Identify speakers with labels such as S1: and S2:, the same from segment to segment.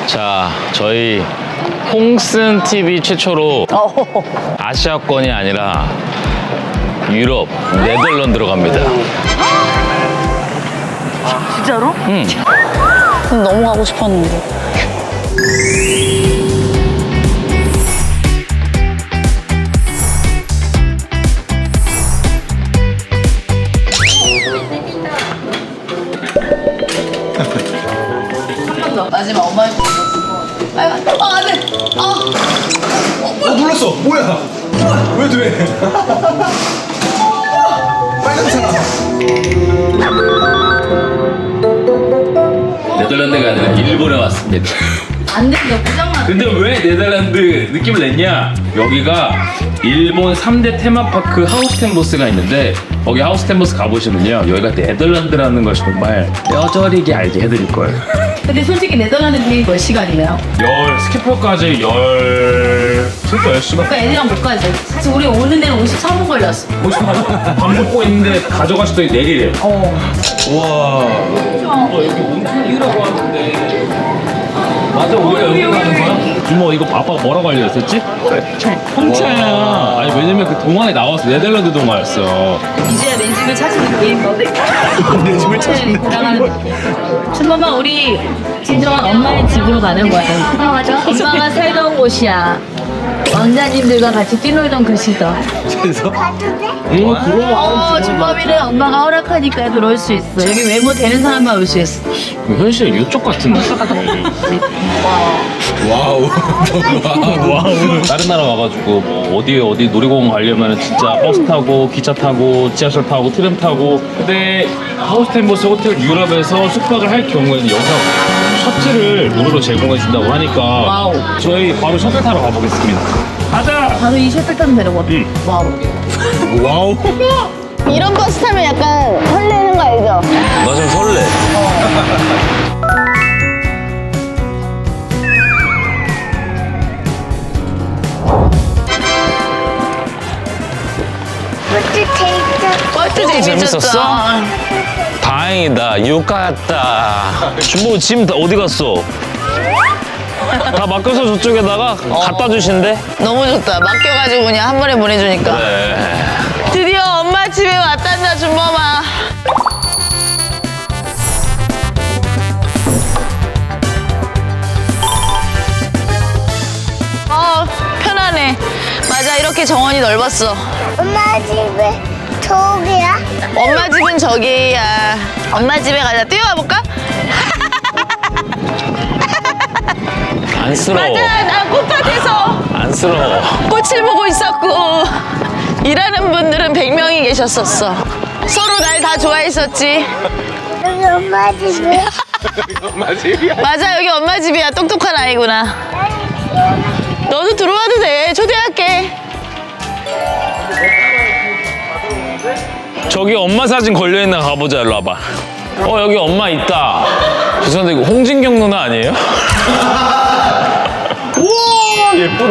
S1: 자, 저희 홍슨 TV 최초로 아시아권이 아니라 유럽, 네덜란드로 갑니다.
S2: 진짜로?
S1: 응.
S2: 너무 가고 싶었는데. 마지막 엄마 안 돼.
S3: 눌렀어. 뭐야? 왜 돼? 빨간색.
S1: 네덜란드가 아니라 일본에 왔습니다.
S2: 안 된다, 고장나.
S1: 근데 왜 네덜란드 느낌을 냈냐? 여기가 일본 3대 테마파크 하우스텐보스가 있는데 거기 하우스텐보스 가보시면요, 여기가 네덜란드라는 걸 정말 뼈저리게 알게 해드릴 거예요.
S2: 근데 솔직히 네덜란드 비행기 몇 시간이에요?
S1: 스키퍼까지 진짜 10시간?
S2: 그러니까 애들이랑 못 가지. 사실 우리 오는 데는 53분 걸렸어.
S1: 밥 먹고 있는데 가져가실 때 내리래요.
S2: 우와.
S1: 여기 몬트리라고 하는데 맞아, 우리가 여기 가는 거야? 주모, 이거 아빠가 뭐라고 알려줬었지? 홍차야. 아니, 왜냐면 그 동화에 나왔어. 네덜란드 동화였어.
S2: 이제야 내 집을 찾은 느낌. 내 집을 찾은 느낌. 준범아, 우리 진정한 엄마의 집으로 가는 거야. 엄마가 살던 곳이야. 왕자님들과 같이 뛰놀던 곳이다.
S3: 그래서?
S1: 그럼.
S2: 준범이는 엄마가 허락하니까 들어올 수 있어. 여기 외모 되는 사람만 올 수 있어.
S1: 현실 이쪽 같은데.
S3: 와우.
S1: 와우. 다른 나라 와가지고 뭐 어디 놀이공원 가려면 진짜 버스 타고 기차 타고 지하철 타고 트램 타고. 근데 하우스텐보스 호텔 유럽에서 숙박을 할 경우에는 여기서 셔틀을 무료로 제공해 준다고 하니까
S2: 와우.
S1: 저희 바로 셔틀 타러 가보겠습니다. 가자.
S2: 바로 이 셔틀 타면 되려거든. 와우.
S3: 와우.
S4: 이런 버스 타면 약간 설레는 거 알죠?
S1: 나 좀 설레.
S4: 버스
S1: 재밌었어? 다행이다. 육갔다. 준보 짐 어디 갔어? 다 맡겨서 저쪽에다가 갖다 주신대?
S4: 너무 좋다. 맡겨가지고 그냥 한 번에 보내주니까.
S1: 그래.
S4: 드디어 엄마 집에 왔단다, 준범아. 편하네. 맞아, 이렇게 정원이 넓었어.
S5: 엄마 집에 저기야?
S4: 엄마 집은 저기야. 엄마 집에 가자. 뛰어가 볼까?
S1: 안쓰러워.
S4: 맞아, 나 꽃밭에서
S1: 안쓰러워.
S4: 꽃을 보고 있었고 일하는 분들은 100명이 계셨었어. 서로 날 다 좋아했었지.
S5: 여기 엄마 집에?
S3: 엄마 집이야.
S4: 맞아, 여기 엄마 집이야. 똑똑한 아이구나. 너도 들어와도 돼. 초대할게.
S1: 저기 엄마 사진 걸려있나 가보자. 일로 와봐. 여기 엄마 있다. 죄송한데 이거 홍진경 누나 아니에요? 우와, 예쁘다.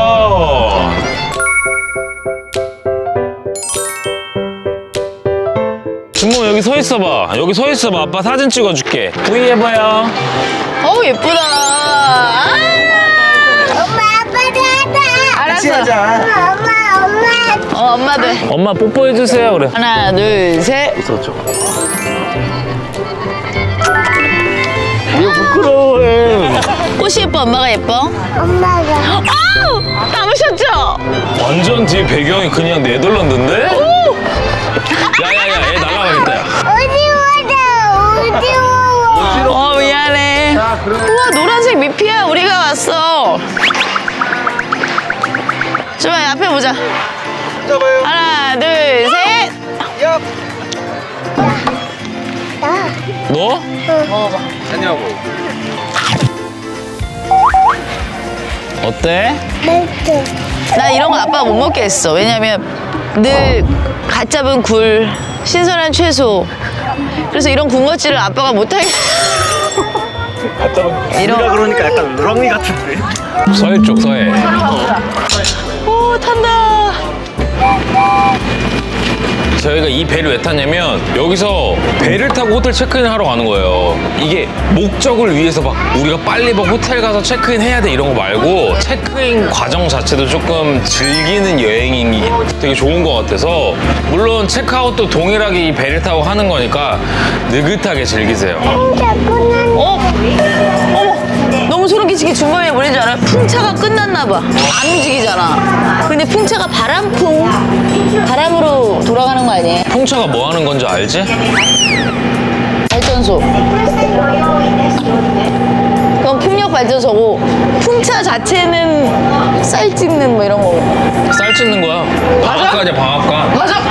S1: 준모, 여기 서 있어봐. 여기 서 있어봐. 아빠 사진 찍어줄게. V 해봐요.
S4: 어우, 예쁘다.
S5: 엄마 아빠도 하자.
S4: 알았어.
S5: 엄마
S4: 엄마도 해.
S1: 엄마 뽀뽀해주세요. 그래.
S4: 하나, 둘, 셋.
S1: 왜 부끄러워해.
S4: 꽃이 예뻐, 엄마가 예뻐?
S5: 엄마가
S4: 아우! 담으셨죠?
S1: 완전 뒤에 배경이 그냥 네덜란드인데? 야야야, 얘 날라가겠다. 야.
S5: 어지러워.
S4: 미안해. 우와, 노란색 미피야. 우리가 왔어. 좀만 앞에 보자.
S3: 잡아요.
S4: 하나, 둘, 셋.
S3: 야.
S1: 너?
S3: 하냐고.
S1: 어때?
S5: 멘트.
S4: 나 이런 거 아빠가 못 먹게 했어. 왜냐면 늘 갓 잡은 굴, 신선한 채소. 그래서 이런 군것질을 아빠가 못하게. 이런.
S3: 그러니까 약간 누렁이 같은데.
S1: 서해 쪽, 서해.
S4: 오, 탄다.
S1: 저희가 이 배를 왜 탔냐면 여기서 배를 타고 호텔 체크인을 하러 가는 거예요. 이게 목적을 위해서 막 우리가 빨리 막 호텔 가서 체크인 해야 돼 이런 거 말고 체크인 과정 자체도 조금 즐기는 여행이 되게 좋은 것 같아서 물론 체크아웃도 동일하게 이 배를 타고 하는 거니까 느긋하게 즐기세요.
S4: 어머, 너무 소름 끼치게 준범이 뭐라는 줄 알아? 풍차가 끝났나 봐. 안 움직이잖아. 근데 풍차가 바람으로 돌아가는 거 아니에요?
S1: 풍차가 뭐 하는 건지 알지?
S4: 발전소. 그건 풍력 발전소고 풍차 자체는 쌀 찢는 뭐 이런 거.
S1: 쌀 찢는 거야. 방앗간이야 방앗간.
S4: 맞아.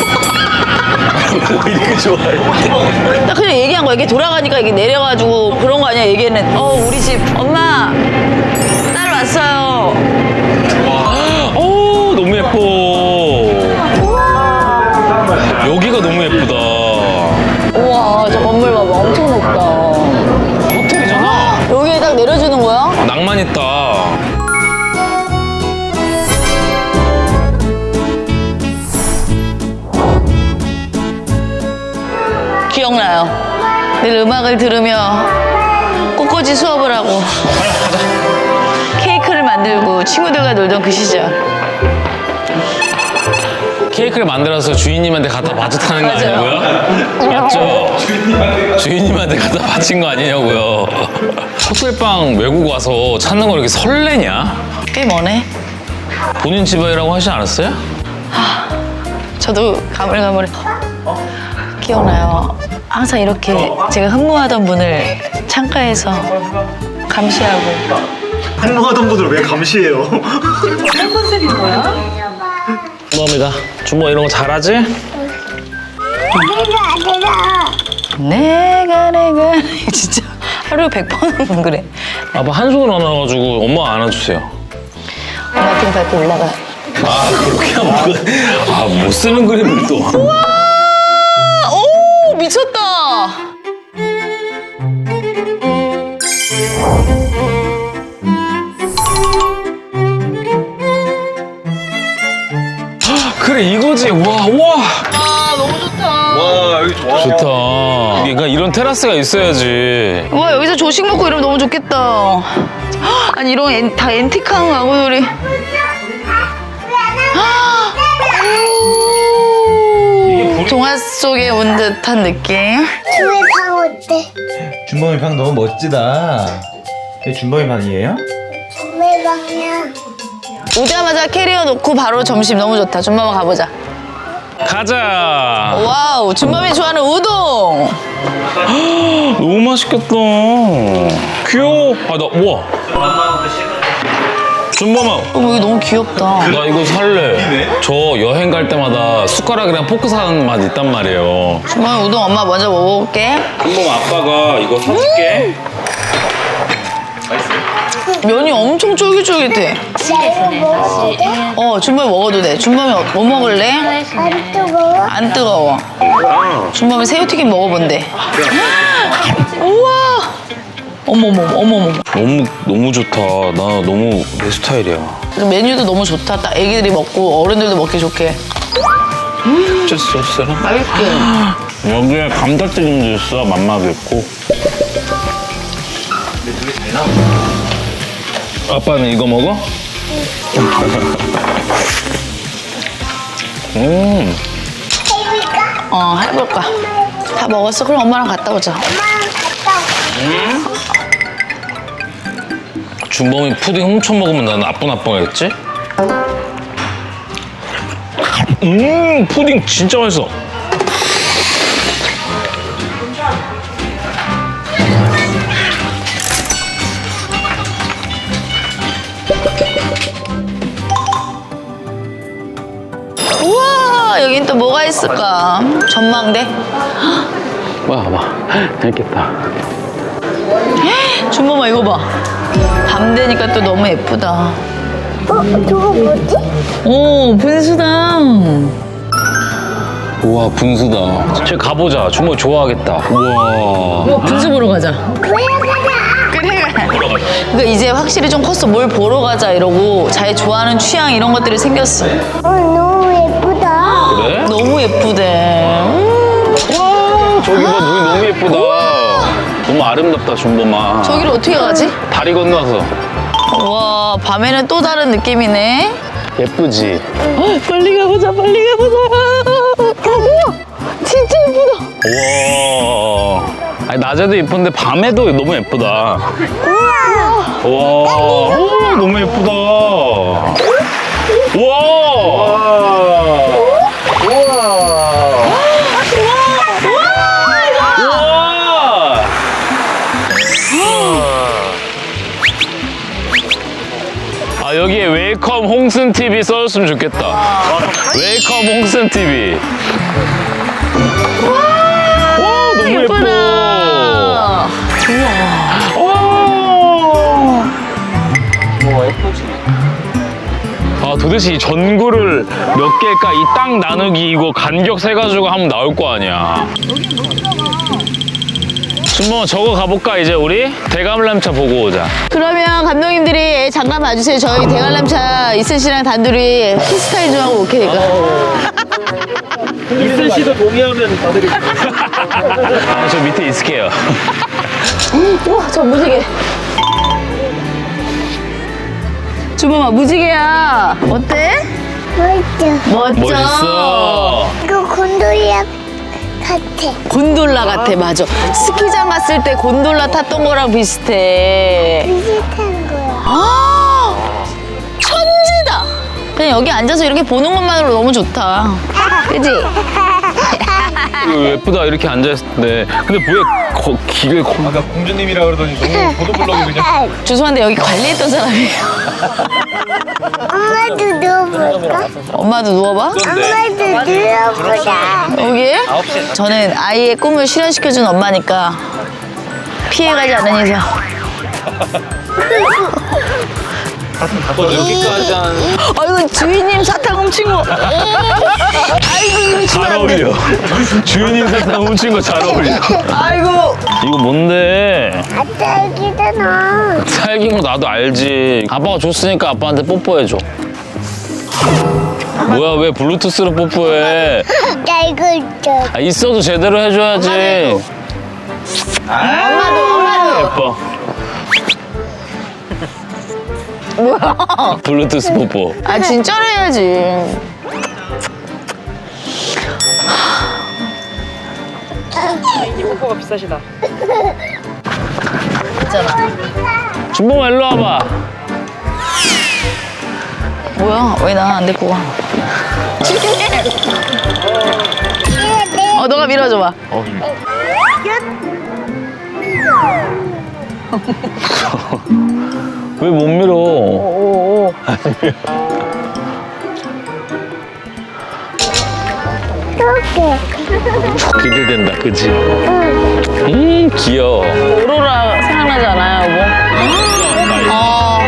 S1: 이렇게 좋아해.
S4: 나 그냥 얘기한 거야. 이게 돌아가니까 이게 내려가지고 그런 거 아니야. 얘기는 우리 집 엄마 딸 왔어요.
S1: 오 너무 예뻐. 여기가 너무 예쁘다.
S4: 우와 저 건물 봐봐. 엄청 높다.
S1: 호텔이잖아.
S4: 여기에 딱 내려주는 거야?
S1: 낭만 있다.
S4: 기억나요. 늘 음악을 들으며 꽃꽂이 수업을 하고 케이크를 만들고 친구들과 놀던 그 시절.
S1: 케이크를 만들어서 주인님한테 갖다 바쳤다는 거
S4: 맞아요.
S1: 아니고요? 맞죠? 주인님한테 갖다 바친 거 아니냐고요? 호텔방 외국 와서 찾는 거 이렇게 설레냐?
S4: 꽤 머네.
S1: 본인 집이라고 하지 않았어요?
S4: 저도 가물가물해. 기억나요. 항상 이렇게 제가 흠모하던 분을 창가에서 감시하고.
S3: 한모하던 분들 왜 감시해요?
S1: 준범이가 준범 이런 거 잘하지?
S4: 내가 진짜 하루에 100번은 그래.
S1: 아빠 한 손으로 안아가지고 엄마 안아주세요.
S4: 엄마 등 밟고 올라가.
S1: 아 그렇게 하면 못 쓰는 그림을 또.
S4: 오 미쳤다.
S1: 그래 이거지. 와.
S4: 아 너무 좋다.
S3: 와 여기 좋아.
S1: 좋다. 그러니까 이런 테라스가 있어야지.
S4: 와 여기서 조식 먹고 이러면 너무 좋겠다. 아니 이런 다 앤틱한 가구들이. 동화 속에 온 듯한 느낌.
S5: 집에 방 어때?
S6: 준범이 방 너무 멋지다. 이게 준범이 방이에요?
S5: 집에 방이야.
S4: 오자마자 캐리어 놓고 바로 점심 너무 좋다. 준범아 가보자.
S1: 가자.
S4: 와우 준범이 좋아하는 우동.
S1: 너무 맛있겠다. 귀여워. 우와. 준범아.
S4: 여기 너무 귀엽다.
S1: 나 이거 살래. 저 여행 갈 때마다 숟가락이랑 포크 사는 맛 있단 말이에요.
S4: 준범이 우동 엄마 먼저 먹어볼게.
S1: 준범 아빠가 이거 사줄게.
S4: 면이 엄청 쫄깃쫄깃해.
S5: 나 이거 먹어도 돼?
S4: 준범이 먹어도 돼. 준범이 뭐 먹을래?
S5: 안 뜨거워?
S4: 안 뜨거워. 준범이 새우튀김 먹어본대. 우와. 어머머.
S1: 너무 좋다. 나 너무 내 스타일이야.
S4: 메뉴도 너무 좋다. 딱 애기들이 먹고 어른들도 먹기 좋게.
S1: 진짜 소스랑.
S4: 맛있게.
S1: 여기에 감자튀김도 있어. 맛맛도 있고. 아빠는 이거 먹어?
S4: 해볼까? 다 먹었어? 그럼 엄마랑 갔다 오자.
S1: 준범이 푸딩 훔쳐 먹으면 난 나쁜 아빠겠지? 푸딩 진짜 맛있어.
S4: 우와 여긴 또 뭐가 있을까? 전망대?
S1: 봐봐. 재밌겠다.
S4: 준범아 이거 봐. 밤 되니까 또 너무 예쁘다.
S5: 저거 뭐지?
S4: 오 분수당.
S1: 우와 분수다. 저기 가보자. 준범이 좋아하겠다. 우와.
S4: 분수 보러 가자.
S5: 그래 가자.
S4: 그래. 그러니까 이제 확실히 좀 컸어. 뭘 보러 가자 이러고 자기 좋아하는 취향 이런 것들이 생겼어.
S5: 너무 예쁘다.
S1: 그래?
S4: 너무 너무 예쁘대.
S1: 저기 봐, 눈이 너무 예쁘다. 너무 아름답다, 준범아.
S4: 저기를 어떻게 가지?
S1: 다리 건너서.
S4: 와, 밤에는 또 다른 느낌이네.
S1: 예쁘지?
S4: 빨리 가보자, 빨리 가보자. 우와, 진짜 예쁘다.
S1: 우와. 아니, 낮에도 예쁜데 밤에도 너무 예쁘다. 우와. 오, 너무 예쁘다. 우와. 우와. 아, 여기에 웰컴 홍슨 TV 써줬으면 좋겠다. 웰컴 홍슨 TV. 와, 너무 예뻐. 아, 도대체 이 전구를 몇 개일까? 이 땅 나누기 이거 간격 세가지고 하면 나올 거 아니야. 준범아, 저거 가볼까, 이제 우리? 대감람차 보고 오자.
S4: 그러면 감독님들이 잠깐 봐주세요. 저희 대관람차 이슬 씨랑 단둘이 키스타임 좀 하고 오케니까.
S3: 이슬 씨도 동의하면 다들
S1: 아, 저 밑에 있을게요.
S4: 우와, 저 무지개. 주범아, 무지개야. 어때?
S5: 멋져.
S4: 멋져.
S1: 멋있어.
S5: 이거 곤돌이야 같아.
S4: 곤돌라 같아, 맞아. 스키장 갔을 때 곤돌라 탔던 거랑 비슷해.
S5: 비슷한 거야.
S4: 아, 천지다. 그냥 여기 앉아서 이렇게 보는 것만으로 너무 좋다. 그지?
S1: 예쁘다, 이렇게 앉아있을 때. 근데 왜 길을
S3: 아까 공주님이라 그러더니 너무 보도블럭이 그냥
S4: 죄송한데 여기 관리했던 사람이에요.
S5: 엄마도 누워볼까?
S4: 엄마도 누워봐.
S5: 엄마도 누워보자.
S4: 여기에? 저는 아이의 꿈을 실현시켜준 엄마니까 피해가지 않는 이상.
S1: 여기까지 한.
S4: 아이고, 주인님 사탕 훔친 거. 아이고, 이거 주면
S1: 잘
S4: 안 돼.
S1: 어울려. 주인님 사탕 훔친 거 잘 어울려.
S4: 아이고.
S1: 이거 뭔데?
S5: 아빠 여기잖아.
S1: 살긴 거 나도 알지. 아빠가 줬으니까 아빠한테 뽀뽀해줘. 뭐야, 왜 블루투스로 뽀뽀해?
S5: 나 이거 있어.
S1: 아, 있어도 제대로 해줘야지.
S4: 엄마도.
S1: 예뻐.
S4: 뭐야?
S1: 블루투스 뽀뽀.
S4: 아, 진짜로 해야지.
S1: 준범아, 일로 와봐.
S4: 뭐야? 왜 나 안 데리고 가? 너가 밀어줘봐.
S1: 왜 못 밀어?
S5: 이렇게.
S1: 기대된다, 그치? 귀여워.
S4: 오로라 생각나지 않아요, 여보?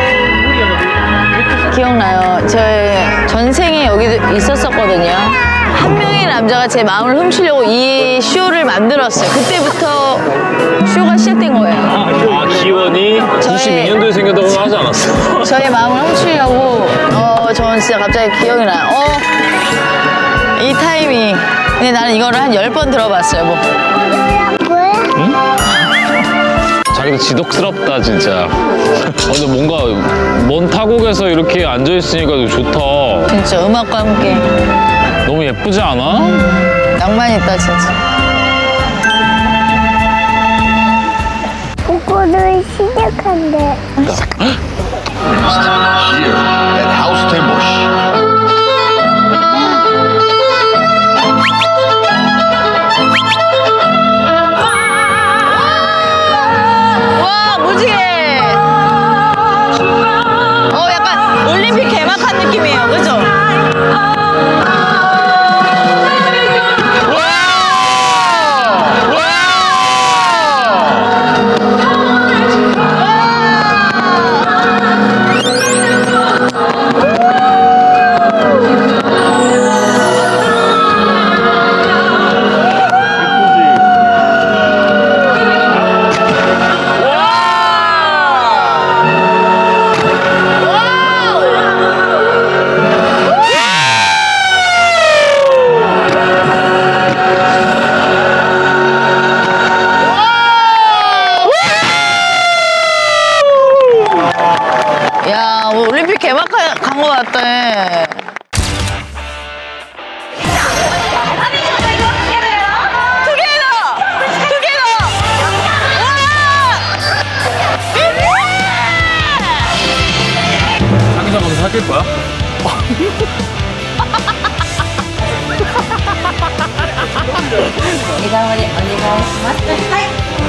S4: 기억나요. 저 전생에 여기 있었었거든요. 한 명의 남자가 제 마음을 훔치려고 이 쇼를 만들었어요. 그때부터 쇼가 시작된 거예요.
S1: 아, 기원이 92년도에 생겼다고 하지 않았어?
S4: 저의 마음을 훔치려고 저는 진짜 갑자기 기억이 나요. 이 타이밍. 근데 나는 이거를 한 10번 들어봤어요, 뭐.
S5: 뭐야?
S1: 자기도 지독스럽다, 진짜. 근데 뭔가 먼 타국에서 이렇게 앉아있으니까 좋다.
S4: 진짜 음악과 함께.
S1: 너무 예쁘지 않아?
S4: 낭만 있다, 진짜.
S5: 이거를 시작한대.
S7: Here at House Temosh.
S4: 와, 무지개! 약간 올림픽 개막한 느낌이에요, 그죠?
S1: 낚일 거야?
S2: 이가머리 어디가 있어?